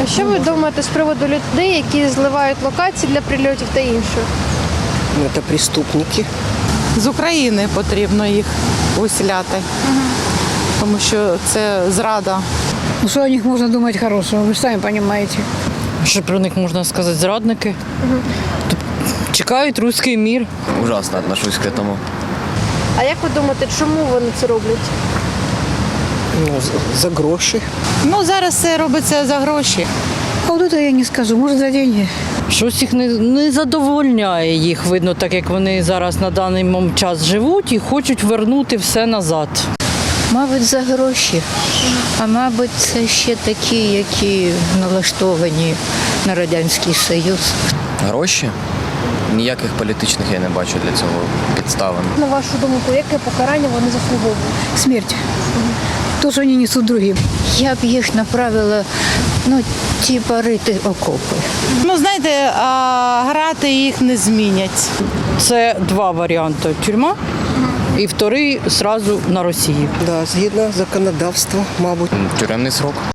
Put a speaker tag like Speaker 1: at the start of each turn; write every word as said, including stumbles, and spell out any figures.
Speaker 1: що ви думаєте з приводу людей, які зливають локації для прильотів та інше?
Speaker 2: Це преступники.
Speaker 3: З України потрібно їх виселяти, тому що це зрада.
Speaker 4: Ну, что о них можно думать хорошего, вы же сами понимаете.
Speaker 5: Що про них можна сказати? Зрадники. Тобто чекають руський мір.
Speaker 6: Ужасно отношусь к этому.
Speaker 1: А як ви думаєте, чому вони це роблять?
Speaker 2: Ну, за- за гроші.
Speaker 3: Ну, зараз це робиться за гроші.
Speaker 4: А вот это я не скажу, может за деньги.
Speaker 5: Щось їх не, не задовольняє їх, видно, так як вони зараз на даний мом- час живуть і хочуть вернути все назад.
Speaker 7: Мабуть, за гроші, а мабуть, це ще такі, які налаштовані на Радянський Союз.
Speaker 6: Гроші? Ніяких політичних я не бачу для цього підставин.
Speaker 1: На вашу думку, яке покарання вони заслуговують?
Speaker 4: Смерть. То, что они несут другим.
Speaker 7: Я б їх направила, ну, типа рити окопи.
Speaker 3: Ну, знаєте, а грати їх не змінять.
Speaker 5: Це два варіанти: тюрма і вторий одразу на Росії.
Speaker 2: Да, згідно законодавства, мабуть.
Speaker 6: Тюремний срок.